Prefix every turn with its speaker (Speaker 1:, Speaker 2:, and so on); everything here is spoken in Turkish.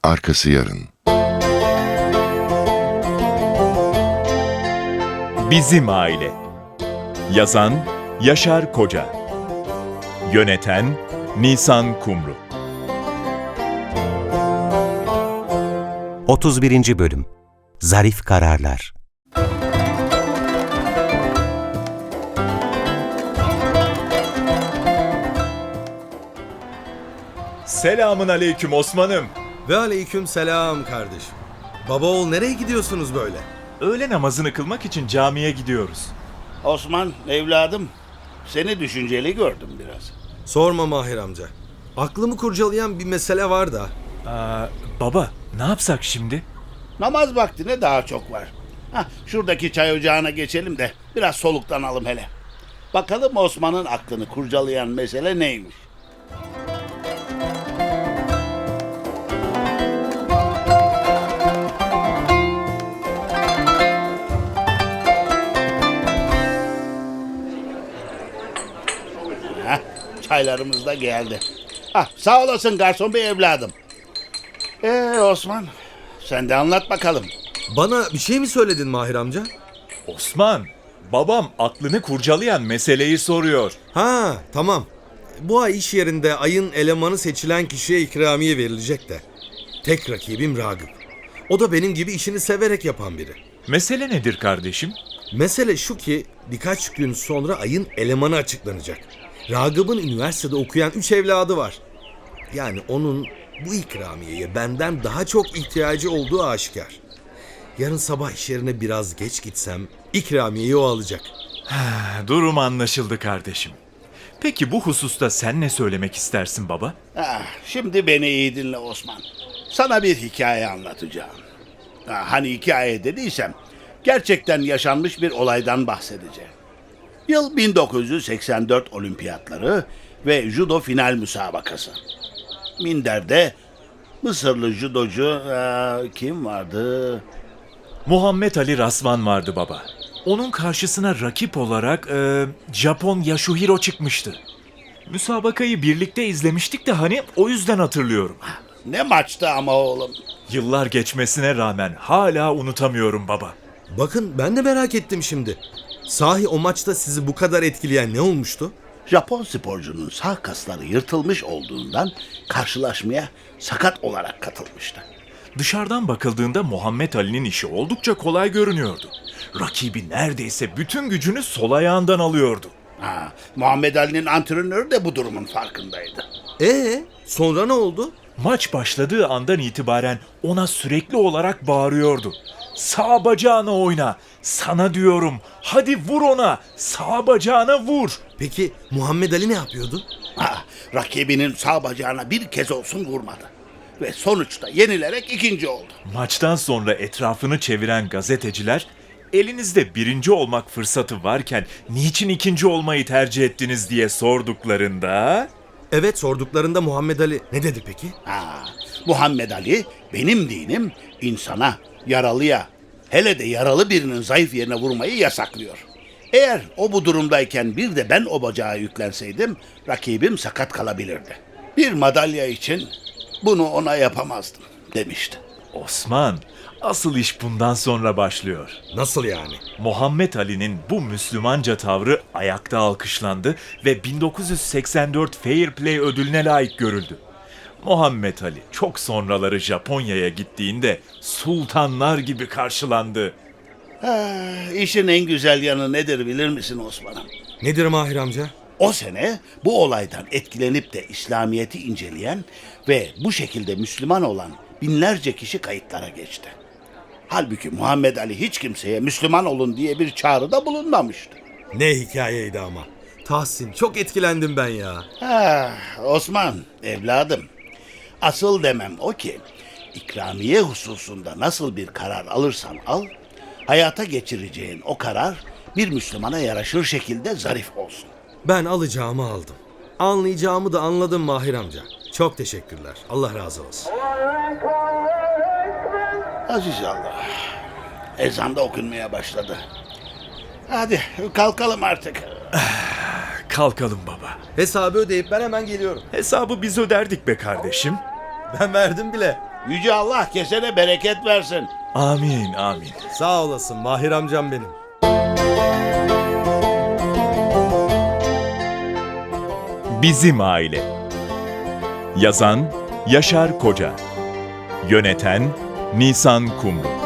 Speaker 1: arkası yarın.
Speaker 2: Bizim Aile. Yazan Yaşar Koca. Yöneten Nisan Kumru.
Speaker 3: 31. Bölüm. Zarif Kararlar.
Speaker 2: Selamın aleyküm Osman'ım.
Speaker 4: Ve aleyküm selam kardeşim. Baba oğul nereye gidiyorsunuz böyle?
Speaker 2: Öğle namazını kılmak için camiye gidiyoruz.
Speaker 5: Osman, evladım, seni düşünceli gördüm biraz.
Speaker 4: Sorma Mahir amca. Aklımı kurcalayan bir mesele var da.
Speaker 2: Baba, ne yapsak şimdi?
Speaker 5: Namaz vaktine daha çok var. Şuradaki çay ocağına geçelim de biraz soluklanalım hele. Bakalım Osman'ın aklını kurcalayan mesele neymiş? Çaylarımız da geldi. Sağ olasın garson bey evladım. Osman, sen de anlat bakalım.
Speaker 4: Bana bir şey mi söyledin Mahir amca?
Speaker 2: Osman, babam aklını kurcalayan meseleyi soruyor.
Speaker 4: Ha, tamam. Bu ay iş yerinde ayın elemanı seçilen kişiye ikramiye verilecek de. Tek rakibim Ragıp. O da benim gibi işini severek yapan biri.
Speaker 2: Mesele nedir kardeşim?
Speaker 4: Mesele şu ki birkaç gün sonra ayın elemanı açıklanacak. Ragıp'ın üniversitede okuyan 3 evladı var. Yani onun bu ikramiyeye benden daha çok ihtiyacı olduğu aşikar. Yarın sabah iş yerine biraz geç gitsem ikramiyeyi o alacak.
Speaker 2: Durum anlaşıldı kardeşim. Peki bu hususta sen ne söylemek istersin baba?
Speaker 5: Şimdi beni iyi dinle Osman. Sana bir hikaye anlatacağım. Hani hikaye dediysem gerçekten yaşanmış bir olaydan bahsedeceğim. Yıl 1984 olimpiyatları ve judo final müsabakası. Minder'de Mısırlı judocu kim vardı?
Speaker 2: Muhammed Ali Rasvan vardı baba. Onun karşısına rakip olarak Japon Yasuhiro çıkmıştı. Müsabakayı birlikte izlemiştik de hani o yüzden hatırlıyorum.
Speaker 5: Ne maçtı ama oğlum.
Speaker 2: Yıllar geçmesine rağmen hala unutamıyorum baba.
Speaker 4: Bakın ben de merak ettim şimdi. Sahi o maçta sizi bu kadar etkileyen ne olmuştu?
Speaker 5: Japon sporcunun sağ kasları yırtılmış olduğundan karşılaşmaya sakat olarak katılmıştı.
Speaker 2: Dışarıdan bakıldığında Muhammed Ali'nin işi oldukça kolay görünüyordu. Rakibi neredeyse bütün gücünü sol ayağından alıyordu.
Speaker 5: Muhammed Ali'nin antrenörü de bu durumun farkındaydı.
Speaker 4: Sonra ne oldu?
Speaker 2: Maç başladığı andan itibaren ona sürekli olarak bağırıyordu. Sağ bacağına oyna, sana diyorum, hadi vur ona, sağ bacağına vur.
Speaker 4: Peki Muhammed Ali ne yapıyordu?
Speaker 5: Rakibinin sağ bacağına bir kez olsun vurmadı. Ve sonuçta yenilerek ikinci oldu.
Speaker 2: Maçtan sonra etrafını çeviren gazeteciler, elinizde birinci olmak fırsatı varken niçin ikinci olmayı tercih ettiniz diye sorduklarında...
Speaker 4: Evet, sorduklarında Muhammed Ali ne dedi peki?
Speaker 5: Muhammed Ali, benim dinim insana, yaralıya, hele de yaralı birinin zayıf yerine vurmayı yasaklıyor. Eğer o bu durumdayken bir de ben o bacağı yüklenseydim, rakibim sakat kalabilirdi. Bir madalya için bunu ona yapamazdım demişti.
Speaker 2: Osman, asıl iş bundan sonra başlıyor.
Speaker 4: Nasıl yani?
Speaker 2: Muhammed Ali'nin bu Müslümanca tavrı ayakta alkışlandı ve 1984 Fair Play ödülüne layık görüldü. Muhammed Ali çok sonraları Japonya'ya gittiğinde sultanlar gibi karşılandı.
Speaker 5: İşin en güzel yanı nedir bilir misin Osman'ım?
Speaker 4: Nedir Mahir amca?
Speaker 5: O sene bu olaydan etkilenip de İslamiyet'i inceleyen ve bu şekilde Müslüman olan binlerce kişi kayıtlara geçti. Halbuki Muhammed Ali hiç kimseye Müslüman olun diye bir çağrıda bulunmamıştı.
Speaker 4: Ne hikayeydi ama. Tahsin, çok etkilendim ben ya.
Speaker 5: Osman, evladım, asıl demem o ki ikramiye hususunda nasıl bir karar alırsan al, hayata geçireceğin o karar bir Müslümana yaraşır şekilde zarif olsun.
Speaker 4: Ben alacağımı aldım. Anlayacağımı da anladım Mahir amca. Çok teşekkürler. Allah razı olsun.
Speaker 5: Aziz Allah. Ezan da okunmaya başladı. Hadi kalkalım artık.
Speaker 2: Kalkalım baba.
Speaker 4: Hesabı ödeyip ben hemen geliyorum.
Speaker 2: Hesabı biz öderdik be kardeşim.
Speaker 4: Ben verdim bile.
Speaker 5: Yüce Allah kesene bereket versin.
Speaker 2: Amin, amin.
Speaker 4: Sağ olasın Mahir amcam benim.
Speaker 2: Bizim Aile. Yazan Yaşar Koca. Yöneten Nisan Kumru.